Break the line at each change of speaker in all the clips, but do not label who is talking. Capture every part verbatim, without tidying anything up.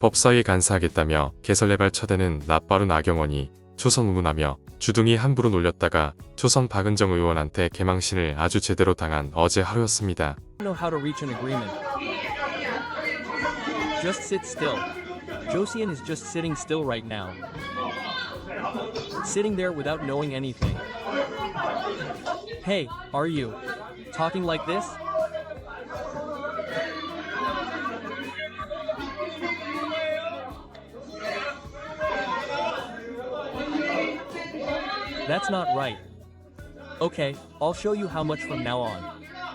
법사위에 간사하겠다며 개설레발 쳐대는 낯바른 나경원이 초선 운운하며 주둥이 함부로 놀렸다가 초선 박은정 의원한테 개망신을 아주 제대로 당한 어제 하루였습니다.
know how to reach an agreement. Just sit still. Josian is just sitting still right now. Sitting there without knowing anything. Hey, are you talking like this? That's not right. Okay, I'll show you how much from now on.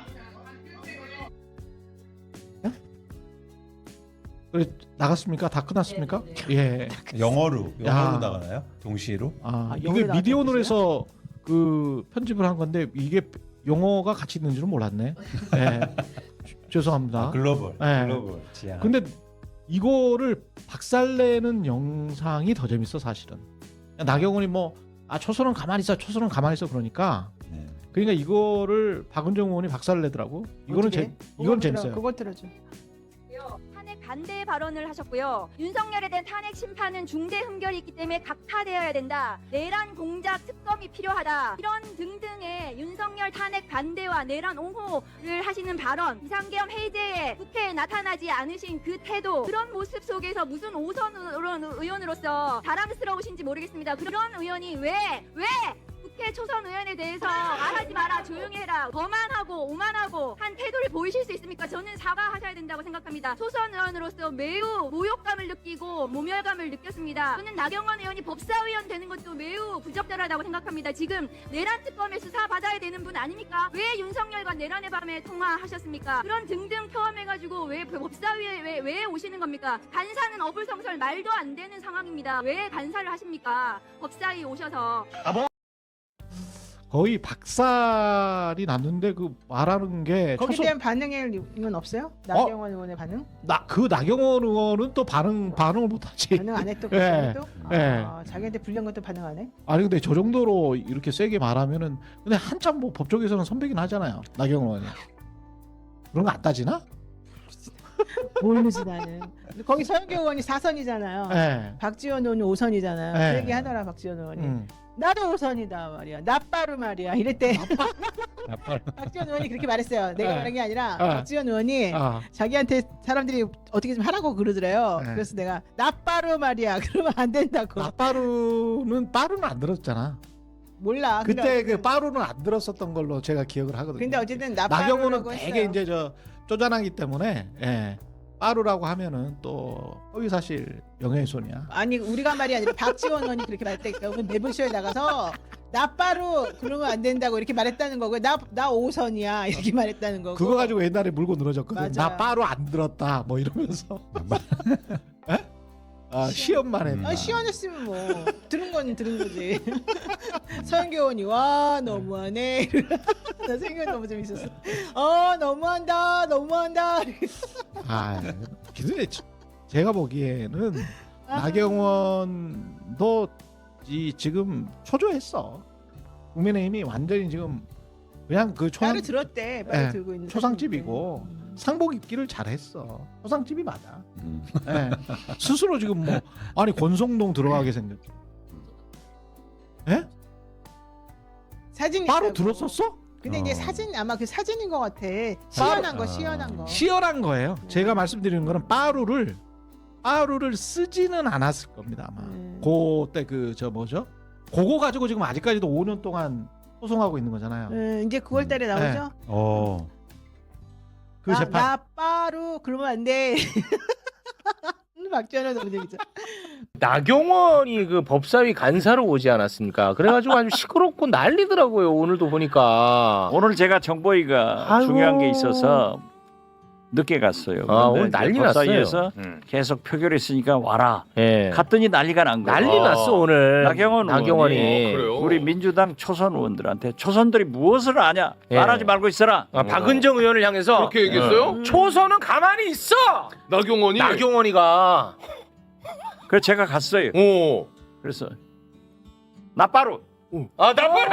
그래, 나갔습니까? 다 끝났습니까? 예.
영어로 영어로
야.
나가나요? 동시로?
아,
아,
이게
영어로
미디어노로 해서 그 편집을 한 건데 이게 영어가 같이 있는 줄은 몰랐네. 예. 죄송합니다.
아, 글로벌.
네.
글로벌 지향.
근데 이거를 박살내는 영상이 더 재밌어 사실은. 나경원이 뭐 아 초선은 가만히 있어, 초선은 가만히 있어 그러니까.
네.
그러니까 이거를 박은정 의원이 박살내더라고. 이거는 제, 이건 재밌어요.
그거 들어줘.
탄핵 반대 발언을 하셨고요. 윤석열에 대한 탄핵 심판은 중대 흠결이 있기 때문에 각하되어야 된다. 내란 공작 특검이 필요하다. 이런 등등의 윤석열 탄핵 반대와 내란 옹호를 하시는 발언, 비상계엄 해제에 국회에 나타나지 않으신 그 태도, 그런 모습 속에서 무슨 오선 의원으로서 자랑스러우신지 모르겠습니다. 그런 의원이 왜 왜? 국회 초선 의원에 대해서 말하지 마라, 조용히 해라, 거만하고 오만하고 한 태도를 보이실 수 있습니까? 저는 사과하셔야 된다고 생각합니다. 초선 의원으로서 매우 모욕감을 느끼고 모멸감을 느꼈습니다. 저는 나경원 의원이 법사위원 되는 것도 매우 부적절하다고 생각합니다. 지금 내란 특검에 수사 받아야 되는 분 아닙니까? 왜 윤석열과 내란의 밤에 통화하셨습니까? 그런 등등 포함해가지고 왜 법사위에 왜, 왜 오시는 겁니까? 간사는 어불성설 말도 안 되는 상황입니다. 왜 간사를 하십니까? 법사위 오셔서.
거의 박살이 났는데 그 말하는 게
거기에
초선-
대한 반응은 없어요? 나경원 의원의 반응?
나 그 나경원 의원은 또 반응 반응을 못하지.
반응 안 했던
예.
것도?
예.
아, 자기한테 불리한 것도 반응 안 해?
아니 근데 저 정도로 이렇게 세게 말하면은 근데 한참 뭐 법조계에서는 선배긴 하잖아요. 나경원 의원이. 그런 거 안 따지나?
모르지 나는. 거기 서영교 의원이 사선이잖아요.
예.
박지원 의원이 오선이잖아요.
네.
그 얘기 하더라 박지원 의원이.
음.
나도 오선이다 말이야. 나빠루 말이야. 이랬대.
아빠.
박지원 의원이 그렇게 말했어요. 내가
네.
말한 게 아니라
아.
박지원 의원이
아.
자기한테 사람들이 어떻게 좀 하라고 그러더래요.
네.
그래서 내가 나빠루 말이야. 그러면 안 된다고.
나빠루는 빠루는 안 들었잖아.
몰라.
그때
근데
그 빠루는 안 들었었던 걸로 제가 기억을 하거든요.
근데 어쨌든
나경원은
나빠루라고
되게
했어요.
이제 저 쪼잔하기 때문에 예. 빠루라고 하면은 또 허위사실 명예훼손이야.
아니 우리가 말이 아니라 박지원 의원이 그렇게 말했다니까. 오늘 매불쇼에 나가서 나빠루 그러면 안 된다고 이렇게 말했다는 거고 나나 오선이야 이렇게 말했다는 거고.
그거 가지고 옛날에 물고 늘어졌거든.
맞아요.
나 빠루 안 들었다 뭐 이러면서. 에? 아 시험만 했다.
아 시원했으면 뭐 들은 건 들은 거지. 서영교 의원이 와 너무하네. 나 생각 너무 재밌었어. 어 너무한다 너무한다.
아, 근데 제가 보기에는
아.
나경원도 이 지금 초조했어. 국민의힘이 완전히 지금 그냥 그 초상,
따로 들었대. 빨리
예,
들고 있는
초상집이고
사진인데.
상복 입기를 잘했어. 초상집이 맞아.
음.
예. 스스로 지금 뭐 아니 권성동 들어가게 생겼. 예?
사진
바로
있다고.
들었었어?
근데 이제
어.
사진 아마 그 사진인 것 같아. 시원한 거
아.
시원한 거.
시원한 거예요. 제가 말씀드리는 거는 빠루를 빠루를 쓰지는 않았을 겁니다 아마.
음.
그때 그 저 뭐죠? 그거 가지고 지금 아직까지도 오 년 동안 소송하고 있는 거잖아요.
음, 이제 구월달에 나오죠.
어.
그
나,
재판.
나 빠루 그러면 안 돼. 박지원은 너무 재밌죠.
나경원이 그 법사위 간사로 오지 않았습니까? 그래가지고 아주 시끄럽고 난리더라고요. 오늘도 보니까.
오늘 제가 정보위가
아이고.
중요한 게 있어서 늦게 갔어요.
아,
그런데
오늘
이제
난리
법사위에서
났어요. 음.
계속 표결했으니까 와라.
예.
갔더니 난리가 난 거예요.
난리 났어 오늘.
나경원
나경원이.
의원이 우리 민주당 초선 의원들한테 초선들이 무엇을 아냐
예.
말하지 말고 있어라.
아, 박은정 의원을 향해서
그렇게 얘기했어요?
초선은 가만히 있어.
나경원이?
나경원이가.
그래서 제가 갔어요.
오.
그래서 나빠루
아 나빠루.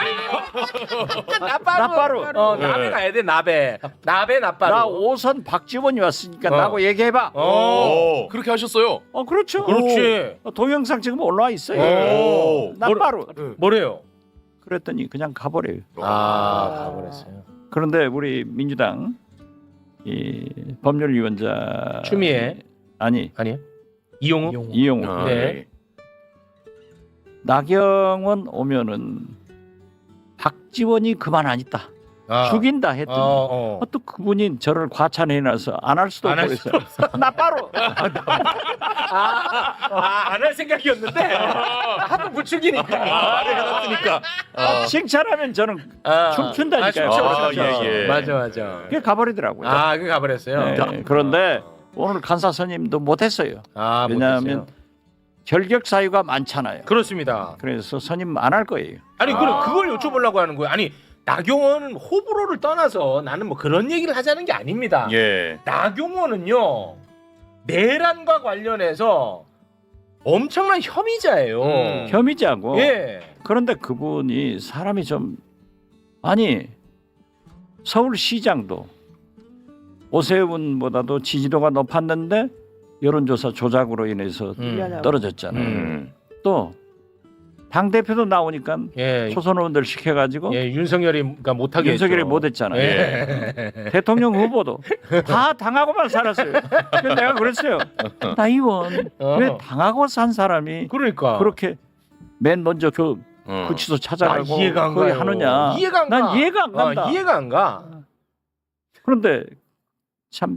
나빠루.
나빠루.
어 나베 가야 돼 나베. 나베 나빠루.
나 오선 박지원이 왔으니까
어.
나하고 얘기해봐.
어.
그렇게 하셨어요?
어 그렇죠.
그렇지.
어, 동영상 지금 올라와 있어요.
오.
나빠루.
뭐래요?
그랬더니 그냥 가버려요.
아 가버렸어요.
그런데 우리 민주당 이 법률위원자
추미애
아니
아니요? 이용우?
이용우
아,
네.
나경원 오면은 박지원이 그만 안 있다
아.
죽인다 했더니
어, 어.
어, 또 그분이 저를 과찬해놔서 안 할 수도
안
없고
할
그랬어요. 나빠로
아안 할 생각이었는데 한번 부추기니까 말을 해놨으니까.
아, 칭찬하면 저는
아,
춤춘다니까요.
아, 춤춰,
아,
춤춰.
예, 예.
맞아 맞아.
그게 가버리더라고요.
아 그게 가버렸어요.
네, 그런데 오늘 간사 선임도 못했어요.
아
왜냐하면
못했어요.
결격 사유가 많잖아요.
그렇습니다.
그래서 선임 안 할 거예요.
아니 그럼 그걸 여쭤보려고 하는 거예요. 아니 나경원은 호불호를 떠나서 나는 뭐 그런 얘기를 하자는 게 아닙니다.
예.
나경원은요 내란과 관련해서 엄청난 혐의자예요.
음.
혐의자고.
예.
그런데 그분이 사람이 좀 아니 서울시장도 오세훈보다도 지지도가 높았는데 여론조사 조작으로 인해서
음.
떨어졌잖아요.
음.
또 당대표도 나오니까
예.
초선 의원들 시켜가지고
예, 윤석열이가 못하게
윤석열이
했죠.
못했잖아요.
예.
대통령 후보도 다 당하고만 살았어요. 그래서 내가 그랬어요. 나 의원
어.
왜 당하고 산 사람이
그러니까
그렇게 맨 먼저 그
어.
구치소
나
찾아가고
이해가 안
거기
가요.
하느냐.
이해가 안 가.
난 이해가 안 간다.
어, 이해가 안 가.
그런데 참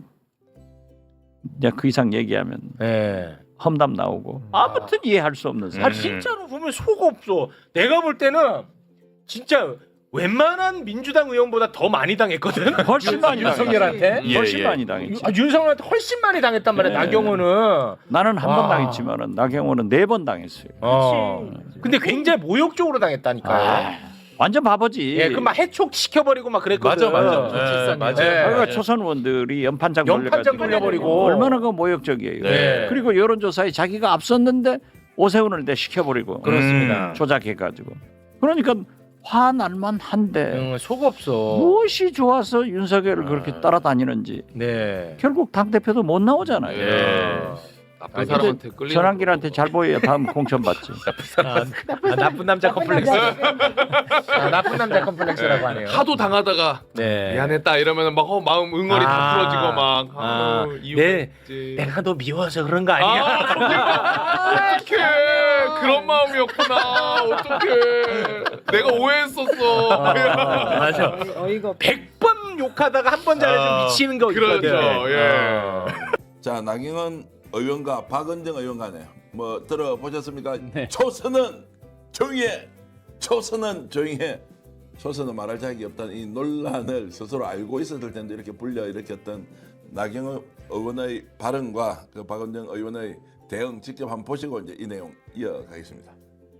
내가 그 이상 얘기하면
예.
험담 나오고 아무튼 이해할 수 없는
아
사람.
진짜로 보면 속 없어. 내가 볼 때는 진짜 웬만한 민주당 의원보다 더 많이 당했거든.
훨씬 많이
윤석열한테.
예,
훨씬
예.
많이 당했지.
아, 윤석열한테 훨씬 많이 당했단 말이야.
네.
나경원은.
나는 한
와.
번 당했지만은 나경원은 네 번 당했어요.
어. 근데 굉장히 모욕적으로 당했다니까요.
아, 완전 바보지.
예, 그 막 해촉 시켜버리고 막 그랬거든.
맞아, 맞아.
예,
예, 맞아.
예.
그러니까 초선 의원들이 연판장
연판장
돌려가지고
돌려버리고.
얼마나 그 모욕적이에요.
네.
그리고 여론조사에 자기가 앞섰는데 오세훈을 내 시켜버리고
그렇습니다.
조작해가지고. 그러니까 화날만 한데
응, 속 없어.
무엇이 좋아서 윤석열을 그렇게 따라다니는지
네.
결국 당 대표도 못 나오잖아요.
예. 나쁜
아니,
사람한테 끌리는
전환길한테 잘 보여야 다음 공천 받지.
아, 아, 나쁜 남자 컴플렉스. 아, 나쁜 남자 컴플렉스라고 하네요.
하도 당하다가
네.
미안했다 이러면 막 어, 마음 응어리
아.
다 풀어지고 막
아.
아,
네.
이유지.
내가 너 미워서 그런 거 아니야?
아, 어떡해. 그런 마음이었구나. 어떡해. 내가 오해했었어.
아, 맞아.
어이가 없.
백 번 욕하다가 한 번 잘해주면
아,
미치는 거 있거든.
그렇죠. 예.
어.
자, 나경원 의원과 박은정 의원 간에 뭐 들어보셨습니까?
네.
초선은 조용해. 초선은 조용해. 초선은 말할 자격이 없다는 이 논란을 스스로 알고 있었을 텐데 이렇게 불려 일으켰던 나경원 의원의 발언과 그 박은정 의원의 대응 직접 한번 보시고 이제 이 내용 이어가겠습니다.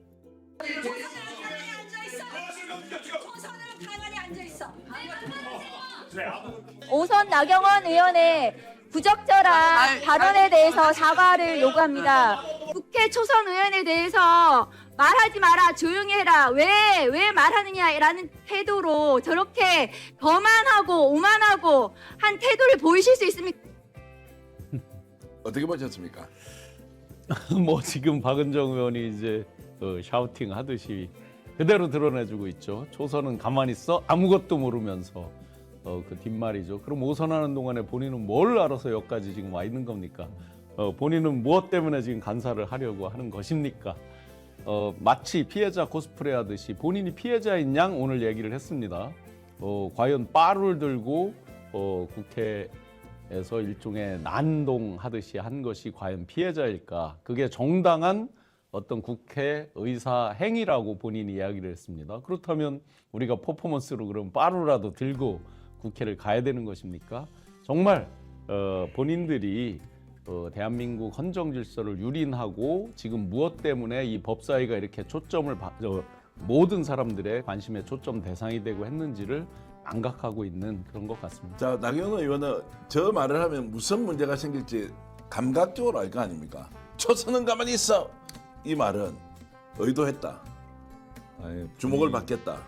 오선 나경원 의원의 부적절한 발언에 대해서 사과를 요구합니다. 국회 초선 의원에 대해서 말하지 마라, 조용히 해라, 왜, 왜 말하느냐라는 태도로 저렇게 거만하고 오만하고 한 태도를 보이실 수 있습니까?
어떻게 보셨습니까?
뭐 지금 박은정 의원이 이제 어, 샤우팅 하듯이 그대로 드러내주고 있죠. 초선은 가만히 있어 아무것도 모르면서 어, 그 뒷말이죠. 그럼 오선하는 동안에 본인은 뭘 알아서 여기까지 지금 와 있는 겁니까? 어, 본인은 무엇 때문에 지금 간사를 하려고 하는 것입니까? 어, 마치 피해자 코스프레 하듯이 본인이 피해자인 양 오늘 얘기를 했습니다. 어, 과연 빠루를 들고 어, 국회에서 일종의 난동하듯이 한 것이 과연 피해자일까? 그게 정당한 어떤 국회 의사 행위라고 본인이 이야기를 했습니다. 그렇다면 우리가 퍼포먼스로 그럼 빠루라도 들고 국회를 가야 되는 것입니까? 정말 어, 본인들이 어, 대한민국 헌정 질서를 유린하고 지금 무엇 때문에 이 법사위가 이렇게 초점을 바, 어, 모든 사람들의 관심의 초점 대상이 되고 했는지를 망각하고 있는 그런 것 같습니다.
자, 나경원 의원은 저 말을 하면 무슨 문제가 생길지 감각적으로 알 거 아닙니까? 초선은 가만히 있어. 이 말은 의도했다.
아니,
주목을
본인-
받겠다.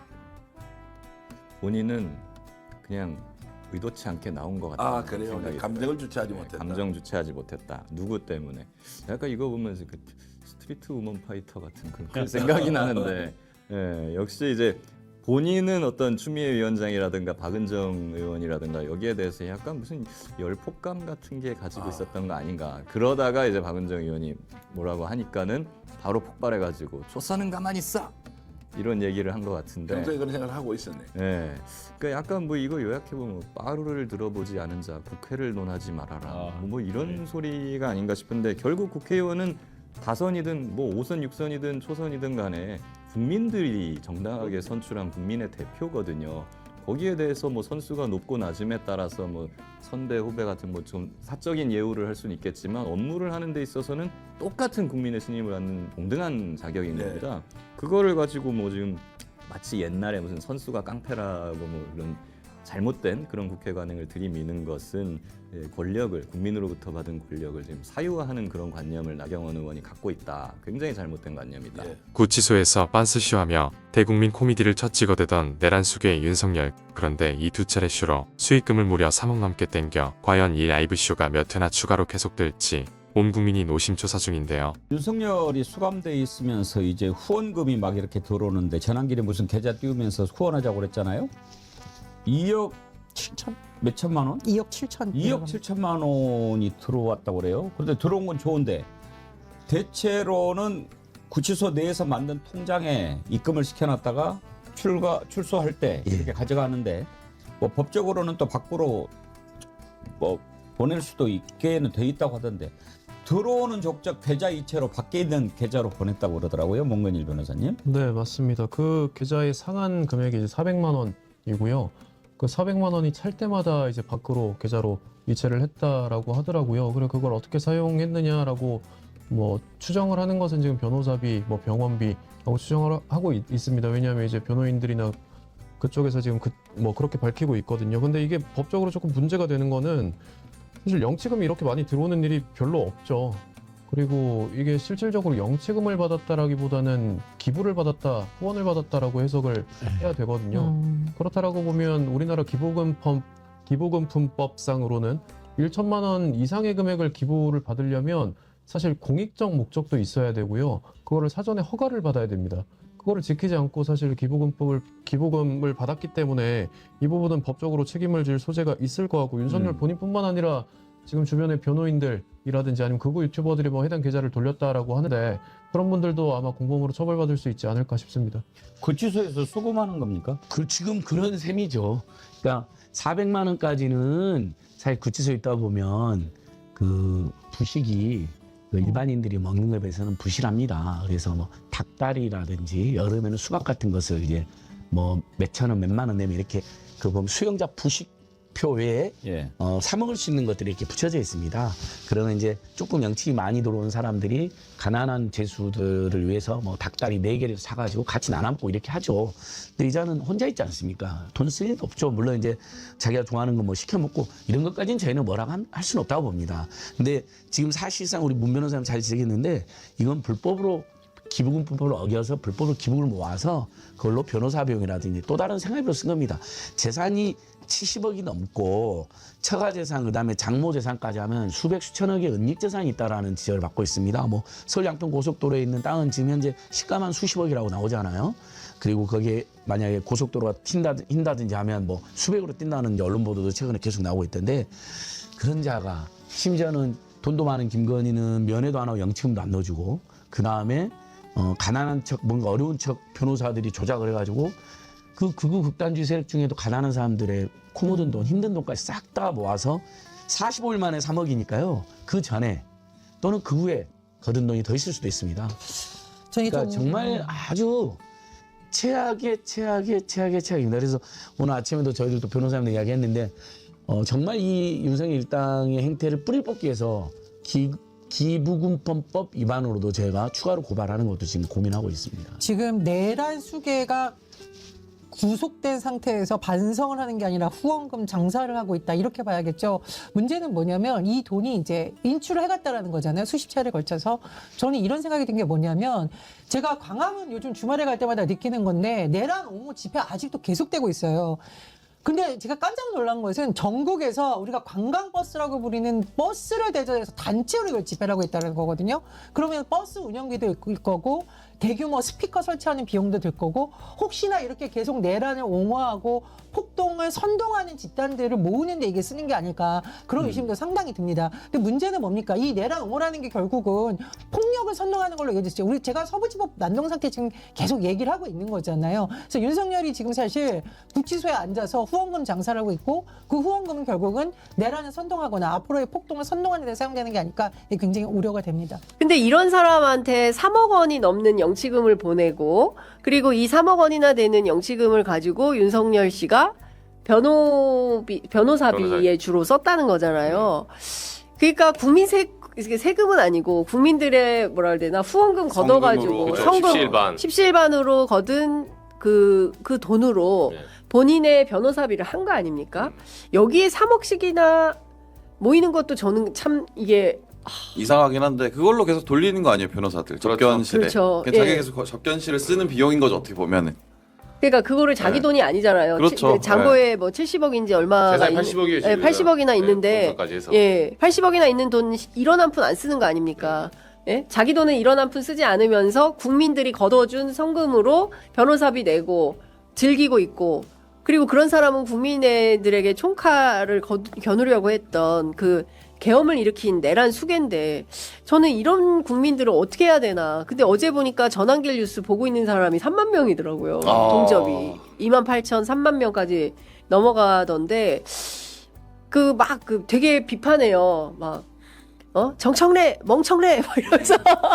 본인은 그냥 의도치 않게 나온 것 같다.
아 그래요. 감정을 주체하지 못했다.
감정 주체하지 못했다. 누구 때문에? 약간 이거 보면서 그 스트리트 우먼 파이터 같은 그런 생각이 나는데 예, 역시 이제 본인은 어떤 추미애 위원장이라든가 박은정 의원이라든가 여기에 대해서 약간 무슨 열폭감 같은 게 가지고
아.
있었던 거 아닌가. 그러다가 이제 박은정 의원이 뭐라고 하니까는 바로 폭발해가지고 조선은 가만히 있어 이런 얘기를 한 것 같은데.
평소에 그런 생각을 하고 있었네.
예, 그러니까 약간 뭐 이거 요약해 보면 빠루를 들어보지 않은 자 국회를 논하지 말아라.
아,
뭐 이런
네.
소리가 아닌가 싶은데 결국 국회의원은 다선이든 뭐 오선, 육선이든 초선이든 간에 국민들이 정당하게 선출한 국민의 대표거든요. 거기에 대해서 뭐 선수가 높고 낮음에 따라서 뭐 선배 후배 같은 뭐 좀 사적인 예우를 할 수는 있겠지만 업무를 하는 데 있어서는 똑같은 국민의 신임을 받는 동등한 자격인
네.
겁니다. 그거를 가지고 뭐 지금 마치 옛날에 무슨 선수가 깡패라고 뭐 이런 잘못된 그런 국회 관행을 들이미는 것은 예, 권력을 국민으로부터 받은 권력을 지금 사유화하는 그런 관념을 나경원 의원이 갖고 있다. 굉장히 잘못된 관념이다.
예.
구치소에서 빤스쇼하며 대국민 코미디를 첫 찍어대던 내란 수괴의 윤석열. 그런데 이 두 차례 쇼로 수익금을 무려 삼억 넘게 땡겨 과연 이 라이브 쇼가 몇 회나 추가로 계속될지 온 국민이 노심초사 중인데요.
윤석열이 수감돼 있으면서 이제 후원금이 막 이렇게 들어오는데 전환길에 무슨 계좌 띄우면서 후원하자고 그랬잖아요. 이억 칠천 몇 천만 원?
이억 칠천.
이억 칠천만 원이 들어왔다고 그래요. 그런데 들어온 건 좋은데 대체로는 구치소 내에서 만든 통장에 입금을 시켜놨다가 출가 출소할 때 이렇게 가져가는데 뭐 법적으로는 또 밖으로 뭐 보낼 수도 있게는 돼 있다고 하던데 들어오는 족적 계좌 이체로 밖에 있는 계좌로 보냈다고 그러더라고요. 몽근일 변호사님.
네, 맞습니다. 그 계좌의 상한 금액이 이제 사백만 원이고요. 그 사백만 원이 찰 때마다 이제 밖으로 계좌로 이체를 했다라고 하더라고요. 그래 그걸 어떻게 사용했느냐라고 뭐 추정을 하는 것은 지금 변호사비, 뭐 병원비라고 추정을 하고 있, 있습니다. 왜냐하면 이제 변호인들이나 그쪽에서 지금 그, 뭐 그렇게 밝히고 있거든요. 근데 이게 법적으로 조금 문제가 되는 거는 사실 영치금이 이렇게 많이 들어오는 일이 별로 없죠. 그리고 이게 실질적으로 영치금을 받았다라기보다는 기부를 받았다, 후원을 받았다라고 해석을 해야 되거든요.
음.
그렇다라고 보면 우리나라 기부금법, 기부금품법상으로는 천만 원 이상의 금액을 기부를 받으려면 사실 공익적 목적도 있어야 되고요. 그거를 사전에 허가를 받아야 됩니다. 그거를 지키지 않고 사실 기부금법을 기부금을 받았기 때문에 이 부분은 법적으로 책임을 질 소재가 있을 거 같고 윤석열
음.
본인뿐만 아니라 지금 주변의 변호인들이라든지 아니면 극우 유튜버들이 뭐 해당 계좌를 돌렸다라고 하는데 그런 분들도 아마 공범으로 처벌받을 수 있지 않을까 싶습니다.
구치소에서 수금하는 겁니까?
그 지금 그런 셈이죠. 그러니까 사백만 원까지는 사실 구치소에 있다 보면 그 부식이 그 일반인들이 먹는 것에 비해서는 부실합니다. 그래서 뭐 닭다리라든지 여름에는 수박 같은 것을 이제 뭐 몇천 원, 몇만 원 내면 이렇게 그 보면 수용자 부식표 외에
예.
어, 사 먹을 수 있는 것들이 이렇게 붙여져 있습니다. 그러면 이제 조금 영치이 많이 들어오는 사람들이 가난한 죄수들을 위해서 뭐 닭다리 네 개를 사가지고 같이 나눠 먹고 이렇게 하죠. 근데 이자는 혼자 있지 않습니까? 돈 쓸 일도 없죠. 물론 이제 자기가 좋아하는 거 뭐 시켜 먹고 이런 것까지는 저희는 뭐라고 한, 할 수는 없다고 봅니다. 근데 지금 사실상 우리 문 변호사님 잘 지적했는데 이건 불법으로 기부금법을 어겨서 불법으로 기부를 모아서 그걸로 변호사 비용이라든지 또 다른 생활비로 쓴 겁니다. 재산이 칠십억이 넘고 처가 재산 그다음에 장모 재산까지 하면 수백 수천억의 은닉 재산이 있다라는 지적을 받고 있습니다. 뭐 서울 양평 고속도로에 있는 땅은 지금 현재 시가만 수십억이라고 나오잖아요. 그리고 거기에 만약에 고속도로가 튄다, 튄다든지 하면 뭐 수백으로 뛴다는 이제 언론 보도도 최근에 계속 나오고 있던데 그런 자가 심지어는 돈도 많은 김건희는 면회도 안 하고 영치금도 안 넣어주고 그 다음에 어, 가난한 척 뭔가 어려운 척 변호사들이 조작을 해가지고 그 극우 극단주의 세력 중에도 가난한 사람들의 코 묻은 돈, 힘든 돈까지 싹 다 모아서 사십오 일 만에 삼억이니까요. 그 전에 또는 그 후에 거둔 돈이 더 있을 수도 있습니다. 그러니까 정말 아주 최악의 최악의 최악의 최악입니다. 그래서 오늘 아침에도 저희들도 변호사님들 이야기했는데 어, 정말 이 윤석열 일당의 행태를 뿌리 뽑기 위해서 기, 기부금법 위반으로도 저희가 추가로 고발하는 것도 지금 고민하고 있습니다.
지금 내란 수괴가 구속된 상태에서 반성을 하는 게 아니라 후원금 장사를 하고 있다 이렇게 봐야겠죠. 문제는 뭐냐면 이 돈이 이제 인출을 해갔다라는 거잖아요. 수십 차례 걸쳐서. 저는 이런 생각이 든 게 뭐냐면 제가 광화문 요즘 주말에 갈 때마다 느끼는 건데 내란 옹호 집회 아직도 계속되고 있어요. 근데 제가 깜짝 놀란 것은 전국에서 우리가 관광버스라고 부리는 버스를 대전해서 단체로 이걸 집회를 하고 있다는 거거든요. 그러면 버스 운영비도 일 거고 대규모 스피커 설치하는 비용도 들 거고 혹시나 이렇게 계속 내란을 옹호하고 폭동을 선동하는 집단들을 모으는 데 이게 쓰는 게 아닐까 그런 의심도 음. 상당히 듭니다. 근데 문제는 뭡니까? 이 내란 옹호라는 게 결국은 폭력을 선동하는 걸로 얘기했죠. 우리 제가 서부지법 난동상태 지금 계속 얘기를 하고 있는 거잖아요. 그래서 윤석열이 지금 사실 구치소에 앉아서 후원금 장사를 하고 있고 그 후원금은 결국은 내란을 선동하거나 앞으로의 폭동을 선동하는 데 사용되는 게 아닐까 굉장히 우려가 됩니다.
근데 이런 사람한테 삼억 원이 넘는 영치금을 보내고 그리고 이 삼억 원이나 되는 영치금을 가지고 윤석열 씨가 변호비, 변호사비에 변호사. 주로 썼다는 거잖아요. 그러니까 국민 세, 세금은 아니고 국민들의 뭐라 해야 되나 후원금 걷어가지고 성금
십시일반.
십시일반으로 거둔 그, 그 돈으로 네. 본인의 변호사비를 한 거 아닙니까? 여기에 삼억씩이나 모이는 것도 저는 참 이게
이상하긴 한데 그걸로 계속 돌리는 거 아니에요 변호사들 접견실에
그렇죠.
자기가
예.
계속 접견실을 쓰는 비용인 거죠 어떻게 보면은
그러니까 그거를 자기
네.
돈이 아니잖아요.
그렇죠.
치, 장고에 뭐 칠십억인지 얼마가
재산이 팔십억이에요.
예, 팔십억이나 있는데
해서.
예, 팔십억이나 있는 돈 일원 한 푼 안 쓰는 거 아닙니까? 예? 자기 돈은 일원 한 푼 쓰지 않으면서 국민들이 걷어준 성금으로 변호사비 내고 즐기고 있고 그리고 그런 사람은 국민들에게 총칼을 거, 겨누려고 했던 그 계엄을 일으킨 내란 수괴인데 저는 이런 국민들을 어떻게 해야 되나. 근데 어제 보니까 전환길 뉴스 보고 있는 사람이 삼만 명이더라고요.
아.
동접이. 이만 팔천, 삼만 명까지 넘어가던데 그 막 그 되게 비판해요. 막 어? 정청래, 멍청래 막 이러면서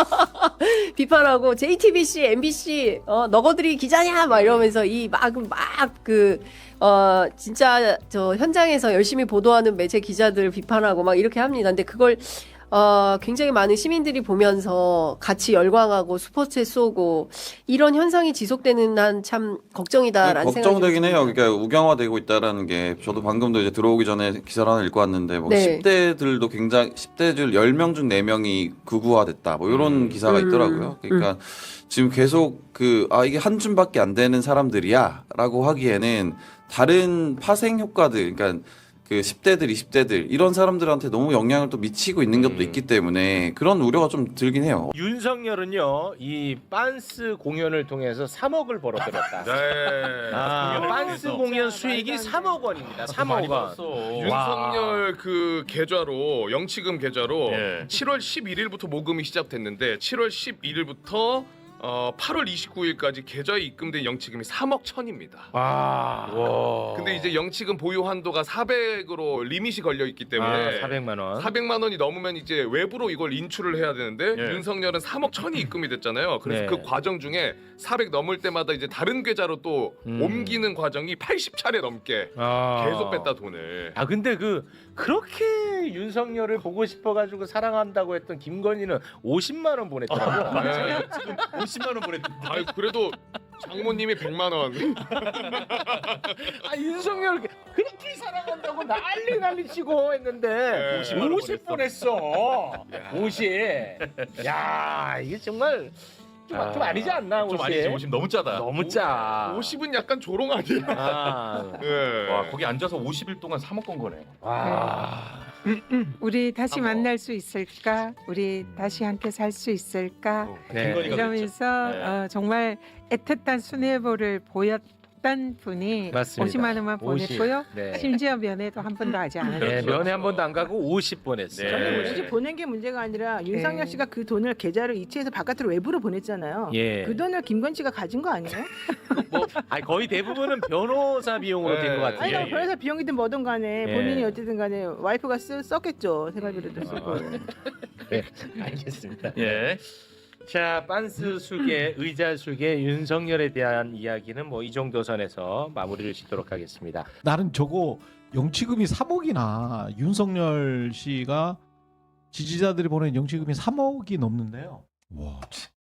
비판하고 제이티비씨, 엠비씨 어, 너거들이 기자냐 막 이러면서 이 막 막 그 어, 진짜 저 현장에서 열심히 보도하는 매체 기자들 비판하고 막 이렇게 합니다. 근데 그걸 어, 굉장히 많은 시민들이 보면서 같이 열광하고 스포츠에 쏘고 이런 현상이 지속되는 한 참 걱정이다라는 생각이
걱정되긴
듭니다.
해요. 그러니까 우경화되고 있다라는 게 저도 방금도 이제 들어오기 전에 기사를 하나 읽고 왔는데 뭐
네.
십 대들도 굉장히 십 대들 열 명 중 네 명이 극우화됐다. 뭐 이런
음.
기사가
음.
있더라고요. 그러니까 음. 지금 계속 그 아 이게 한 줌밖에 안 되는 사람들이야라고 하기에는 다른 파생 효과들 그러니까 그 십 대들, 이십 대들 이런 사람들한테 너무 영향을 또 미치고 있는 것도
음.
있기 때문에 그런 우려가 좀 들긴 해요.
윤석열은요 이 빤스 공연을 통해서 삼억을 벌어들였다.
네.
아, 빤스
통해서.
공연 수익이 삼억 원입니다. 삼억 원.
윤석열 그 계좌로 영치금 계좌로
예.
칠월 십일일부터 모금이 시작됐는데 칠월 십일일부터 어, 팔월 이십구일까지 계좌에 입금된 영치금이 삼억 천입니다.
아, 와.
근데 이제 영치금 보유 한도가 사백으로 리밋이 걸려 있기 때문에
아, 사백만 원.
사백만 원이 넘으면 이제 외부로 이걸 인출을 해야 되는데
예.
윤석열은 삼억 천이 입금이 됐잖아요. 그래서
네.
그 과정 중에 사백 넘을 때마다 이제 다른 계좌로 또
음.
옮기는 과정이 팔십 차례 넘게
아.
계속 뺐다 돈을.
아 근데 그 그렇게 윤석열을 보고 싶어가지고 사랑한다고 했던 김건희는 오십만 원 보냈더라고.
네.
오십만 원 보냈는데.
아유 그래도 장모님이 백만 원.
아 윤석열 그렇게 사랑한다고 난리 난리 치고 했는데
네.
오십, 오십 보냈어. 오십. 야 이게 정말 좀, 아, 좀 아니지 않나?
좀
오십?
아니지. 오십 너무 짜다.
너무 짜.
오십은 약간 조롱 아니야?
아.
네.
와 거기 앉아서 오십 일 동안 삼억 건 거네.
와.
우리 다시 만날 수 있을까? 우리 다시 함께 살 수 있을까?
네.
이러면서
네.
어, 정말 애틋한 순애보를 보였던 분이
맞습니다.
오십만 원만
오십.
보냈고요.
네.
심지어 면회도 한 번도 하지 않았어요.
네, 면회 한 번도 안 가고 오십 보냈어요.
저는
네.
굳이 보낸 게 문제가 아니라 윤석열
네.
씨가 그 돈을 계좌로 이체해서 바깥으로 외부로 보냈잖아요.
예.
그 돈을 김건 씨가 가진 거 아니에요?
뭐, 아니, 거의 대부분은 변호사 비용으로
네.
된 것 같아요.
아니 뭐 그래서 비용이든 뭐든 간에
예.
본인이 어쨌든 간에 와이프가 쓰, 썼겠죠. 생활비로도 쓰고.
네, 알겠습니다. 예. 자, 빤스 수계, 의자 수계, 윤석열에 대한 이야기는 뭐 이 정도 선에서 마무리를 짓도록 하겠습니다.
나는 저거 영치금이 삼억이나 윤석열 씨가 지지자들이 보낸 영치금이 삼억이 넘는데요. 와.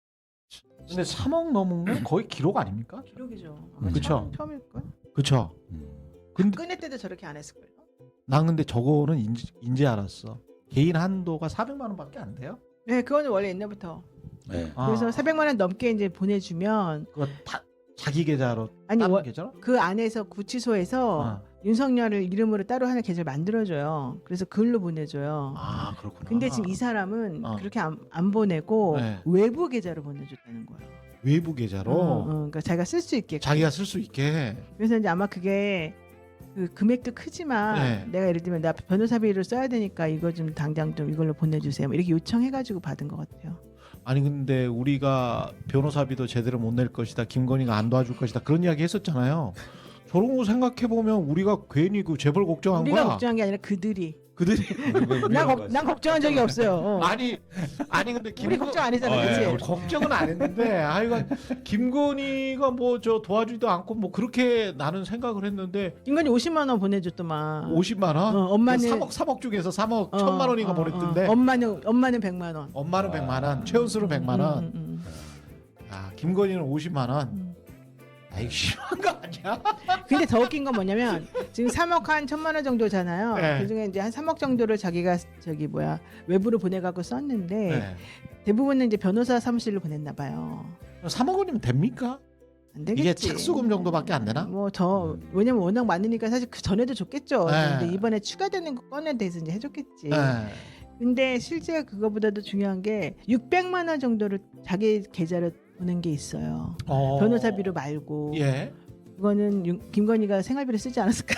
근데 삼억 넘은 건 거의 기록 아닙니까?
기록이죠.
음. 그쵸.
처음일걸?
그쵸. 근데
끝낼 때도 저렇게 안 했을걸요?
난 근데 저거는 인지, 인지 알았어. 개인 한도가 사백만 원밖에 안 돼요?
네, 그거는 원래 옛날부터.
네.
그래서
아.
사백만 원 넘게 이제 보내주면
그거 다 자기 계좌로
아니
다른
워-
계좌로?
그 안에서 구치소에서
아.
윤석열을 이름으로 따로 하는 계좌를 만들어줘요. 그래서 그걸로 보내줘요.
아 그렇구나.
근데 지금 이 사람은
어.
그렇게 안, 안 보내고
네.
외부 계좌로 보내줬다는 거예요.
외부 계좌로
어, 어, 그러니까 자기가 쓸 수 있게.
자기가 쓸 수 있게.
그래서 이제 아마 그게 그 금액도 크지만
네.
내가 예를 들면 나 변호사비를 써야 되니까 이거 좀 당장 좀 이걸로 보내주세요. 뭐 이렇게 요청해가지고 받은 것 같아요.
아니 근데 우리가 변호사비도 제대로 못 낼 것이다. 김건희가 안 도와줄 것이다. 그런 이야기 했었잖아요. 저런 거 생각해 보면 우리가 괜히 그 재벌 걱정한
우리가
거야.
걱정한 게 아니라 그들이.
그들이
난, 걱- 난 걱정한 적이 없어요. 어.
아니 아니 근데
우리 걱정 안 했잖아,
어,
그치?
예, 걱정은 안 했는데 하여간 김건희가 뭐 저 도와주지도 않고 뭐 그렇게 나는 생각을 했는데
김건희 오십만 원 보내줬더만.
오십만 원?
어, 엄마는
삼억 삼억 중에서 삼억
어,
천만 원인가
어,
보냈던데
어. 엄마는 엄마는 백만 원.
엄마는 백만 원, 최은수는 백만 원.
음, 음,
아 김건희는 오십만 원. 아 이거 심한 거 아니야?
근데 더 웃긴 건 뭐냐면 지금 삼억 한 천만 원 정도잖아요.
네.
그중에 이제 한 삼억 정도를 자기가 저기 뭐야 외부로 보내갖고 썼는데
네.
대부분은 이제 변호사 사무실로 보냈나 봐요.
삼억 원이면 됩니까?
안 되겠지.
이게 착수금 정도밖에 안 되나?
뭐 더 왜냐면 워낙 많으니까 사실 그 전에도 줬겠죠.
네.
근데 이번에 추가되는 거 꺼낸 데서 이제 해줬겠지.
네.
근데 실제 그거보다도 중요한 게 육백만 원 정도를 자기 계좌로 보낸 게 있어요.
어.
변호사비로 말고.
예.
그거는 윤- 김건희가 생활비로 쓰지 않았을까?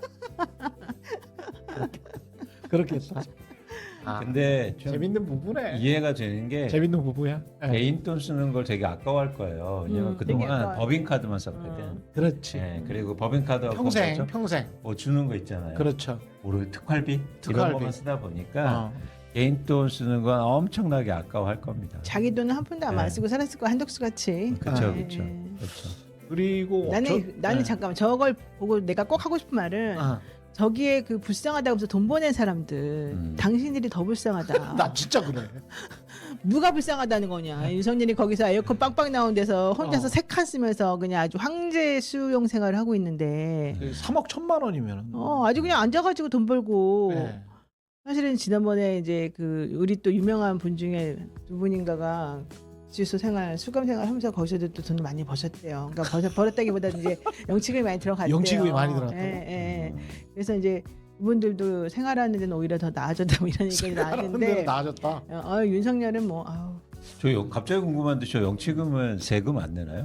그렇겠다.
아, 근데 좀
재밌는 부부네.
이해가 되는 게
재밌는 부부야. 예.
개인 돈 쓰는 걸 되게 아까워할 거예요. 왜냐면
음, 되게
그동안
아까워요.
법인카드만 썼거든.
그렇지.
예, 그리고 법인카드하고
평생
뭐죠?
평생.
뭐 주는 거 있잖아요.
그렇죠.
모르 특활비?
특활비.
이런 것만 쓰다 보니까
어.
개인 돈 쓰는 건 엄청나게 아까워할 겁니다.
자기 돈은 한 푼도 안
네.
쓰고 살았을 거야 한덕수 같이.
그렇죠,
예,
그렇죠,
예.
그렇죠.
그리고
나는
저-
나는
예.
잠깐만 저걸 보고 내가 꼭 하고 싶은 말은
어.
저기에 그 불쌍하다고 해서 돈 보낸 사람들
음.
당신들이 더 불쌍하다.
나 진짜 그래.
누가 불쌍하다는 거냐. 윤석열이 거기서 에어컨 빵빵 나온 데서 혼자서
어.
세 칸 쓰면서 그냥 아주 황제 수용 생활을 하고 있는데
삼억 천만 원이면.
어 아주 그냥 앉아가지고 돈 벌고
네.
사실은 지난번에 이제 그 우리 또 유명한 분 중에 두 분인가가 지수 생활 수감 생활 하면서 거기서도 또 돈을 많이 버셨대요. 그러니까 버셨, 벌었다기보다 이제 영치금이 많이 들어갔대요.
영치금이 많이 들어갔다고?
예, 예. 그래서 이제 이분들도 생활하는 데는 오히려 더 나아졌다 뭐 이런 얘기가
생활하는
나왔는데
데는 나아졌다.
어, 어, 윤석열은 뭐 아우
저 영- 갑자기 궁금한데 저 영치금은 세금 안 내나요?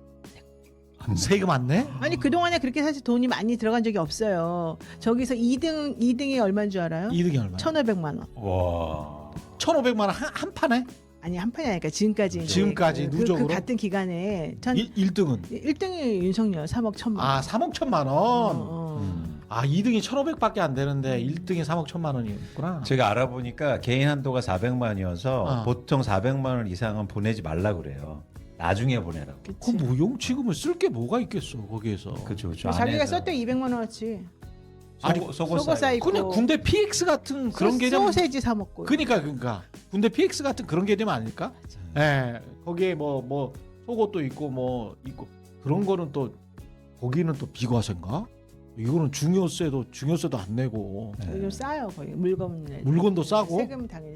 세금 안 내?
아니 그동안에 그렇게 사실 돈이 많이 들어간 적이 없어요. 저기서 이 등 이 등이 얼마인 줄 알아요?
이 등이 얼마?
천오백만 원.
와.
천오백만 원 한 한 판에?
아니 한 판이 아니니까 지금까지 이제
지금까지
그,
누적으로?
그 같은 기간에 천
일, 일 등은?
일 등이 윤석열 삼억 천만 원.
아 삼억 천만 원.
어, 어.
음.
아 이 등이 천오백밖에 안 되는데 일 등이 삼억 천만 원이었구나.
제가 알아보니까 개인 한도가 사백만이어서
어.
보통 사백만 원 이상은 보내지 말라 그래요. 나중에 보내라고.
그럼 뭐 용치금을 쓸 게 뭐가 있겠어 거기에서.
그렇죠, 그렇죠.
자기가
안에서.
썼대 이백만 원어치.
아니,
아니,
속옷
속옷
사이.
사입고.
그냥 군대 피엑스 같은 그런
소-
개념.
소세지 사 먹고.
그러니까 그러니까 군대 피엑스 같은 그런 개념 아닐까? 예. 거기에 뭐 뭐 속옷도 있고 뭐 있고 그런 거는 또 거기는 또 비과세인가? 이거는 중요세도 중요세도 안 내고
네.
좀 싸요 거의 물건.
물건도 싸고
세금 당연히.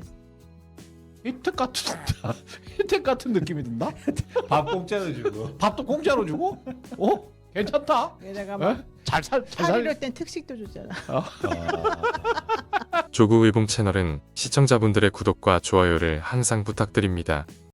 혜택 같은 혜택 같은 느낌이 든다.
밥 공짜로 주고.
밥도 공짜로 주고? 어? 괜찮다.
게다가
예?
막
잘살잘 살.
팔일오 땐 특식도 줬잖아.
조구의봉 채널은 시청자분들의 구독과 좋아요를 항상 부탁드립니다.